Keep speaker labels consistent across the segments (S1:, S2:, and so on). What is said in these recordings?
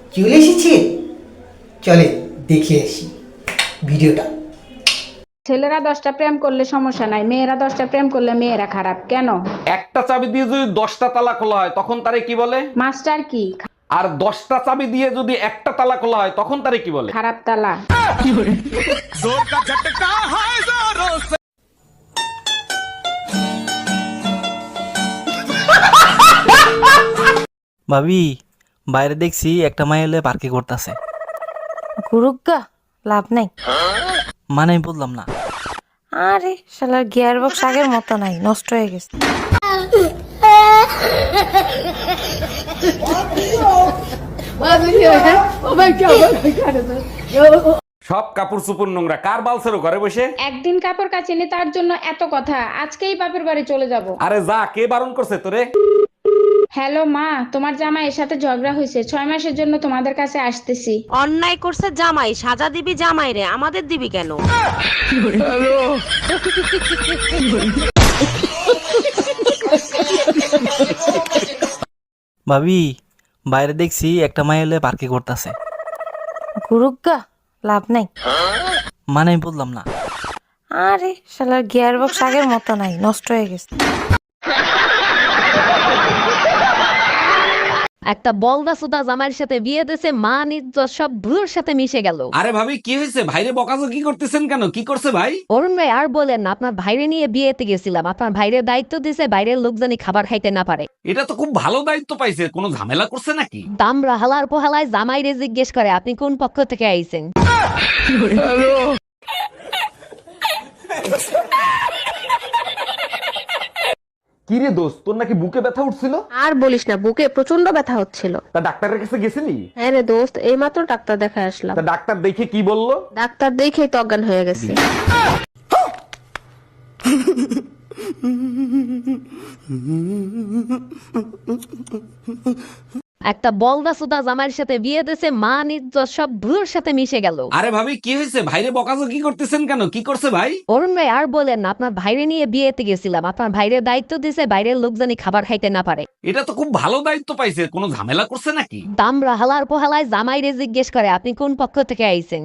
S1: চলে এসেছে, চলে দেখে আসি ভিডিওটা।
S2: ছেলেরা 10টা প্রেম করলে সমস্যা নাই, মেয়েরা 10টা প্রেম করলে মেয়েরা খারাপ কেন?
S3: একটা চাবি দিয়ে যদি 10টা তালা খোলা হয় তখন তারে কি বলে?
S2: মাস্টার কি?
S3: আর 10টা চাবি দিয়ে যদি একটা তালা খোলা হয় তখন তারে কি বলে?
S2: খারাপ তালা।
S4: ভাবি, বাইরে দেখছি একটা মাই এলে পার্কে করতেছে।
S5: গুরুগা লাভ নাই।
S4: মানে আমি বললাম না।
S5: আরে শালার গিয়ার বক্স আগের মতো নাই, নষ্ট হয়ে গেছে।
S3: সব কাপড় চোপড় নোংরা, কার বালছেরও ঘরে বসে?
S2: একদিন কাপড় কাচিনি তার জন্য এত কথা, আজকেই বাপের বাড়ি চলে যাব।
S3: আরে যা, কে বারণ করছে তোরে?
S2: হ্যালো মা, তোমার জামাইয়ের সাথে ঝগড়া হয়েছে, 6 মাসের জন্য তোমাদের কাছে আসতেছি।
S6: অন্যায় করছে জামাই, সাজা দিবি জামাই রে, আমাদের দিবি কেন?
S4: ভাবি, বাইরে দেখছি একটা মাই এলে পার্কে করতেছে।
S5: গুরুগা লাভ নাই।
S4: মানে আমি বললাম না।
S5: আরে শালার গিয়ার বক্স আগের মতো নাই, নষ্ট হয়ে গেছে।
S6: একটা বলদা সুদা জামাইয়ের সাথে বিয়ে দিয়েছে, মান ইজ্জত সব ভুলোর সাথে মিশে গেল।
S3: আরে ভাবি, কি হয়েছে? ভাইরে বকাজকি করতেছেন কেন? কি করছে ভাই?
S6: অরুণ ভাই আর বলেন না, আপনার ভাইরে নিয়ে বিয়েতে গেছিলাম, আপনার ভাইরে দায়িত্ব দিয়েছে বাইরের লোক জানি খাবার খাইতে না পারে।
S3: এটা তো খুব ভালো দায়িত্ব পাইছে, কোনো ঝামেলা করছে নাকি?
S6: দামরা হালার পোহালায় জামাইরে জিজ্ঞেস করে আপনি কোন পক্ষ থেকে আইছেন।
S3: কি রে দোস্ত, তোর নাকি বুকে ব্যথা উঠছিল?
S7: আর বলিস না, বুকে প্রচন্ড ব্যথা হচ্ছিল।
S3: তা ডাক্তারের কাছে গেছিলি?
S7: হ্যাঁ রে দোস্ত, এইমাত্র ডাক্তার দেখায় আসলাম।
S3: তা ডাক্তার দেখে কি বললো?
S7: ডাক্তার দেখেই তো অজ্ঞান হয়ে গেছে।
S6: একটা বলদা সুদা জামাইয়ের সাথে বিয়ে দিয়েছে, মান ইজ্জত সব ভুলোর সাথে মিশে গেল।
S3: আরে ভাবি, কি হয়েছে? ভাইরে বকাজকি করতেছেন কেন? কি করছে ভাই?
S6: অরুণ ভাই আর বলেন না, আপনার ভাইরে নিয়ে বিয়েতে গেছিলাম, আপনার ভাইরে দায়িত্ব দিয়েছে বাইরের লোক জানি খাবার খাইতে না পারে।
S3: এটা তো খুব ভালো দায়িত্ব পাইছে, কোনো ঝামেলা করছে নাকি?
S6: দামরা হালার পোহালায় জামাইরে জিজ্ঞেস করে আপনি কোন পক্ষ থেকে আইছেন।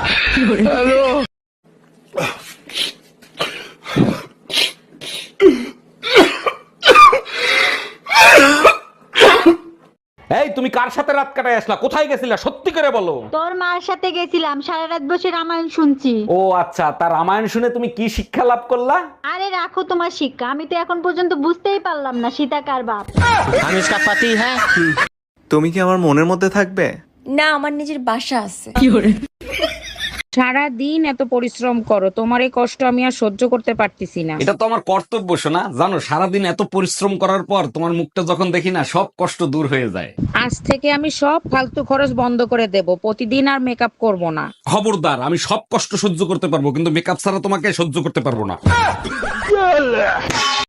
S3: এই, তুমি কার সাথে রাত কাটায় আসলা? কোথায় গেছিলা? সত্যি করে বলো।
S8: তোর মার সাথে গেছিলাম, সারা রাত বসে রামায়ণ শুনছি।
S3: ও আচ্ছা, তার রামায়ণ শুনে তুমি কি শিক্ষা লাভ করলা?
S8: আরে রাখো তোমার শিক্ষা, আমি তো এখন পর্যন্ত বুঝতেই পারলাম না সীতা কার বাপ।
S9: তুমি কি আমার মনের মধ্যে থাকবে?
S5: না, আমার নিজের বাসা আছে।
S2: সারা দিন এত পরিশ্রম করো, তোমার এই কষ্ট আমি আর সহ্য করতে পারতেছি না।
S3: এটা তো আমার কর্তব্য শোনা। জানো, সারাদিন এত পরিশ্রম করার পর তোমার মুখটা যখন দেখি না, সব কষ্ট দূর হয়ে যায়।
S2: আজ থেকে আমি সব ফালতু খরচ বন্ধ করে দেব, প্রতিদিন আর মেকআপ করব না।
S3: খবরদার, আমি সব কষ্ট সহ্য করতে পারবো, কিন্তু মেকআপ ছাড়া তোমাকে সহ্য করতে পারবো না।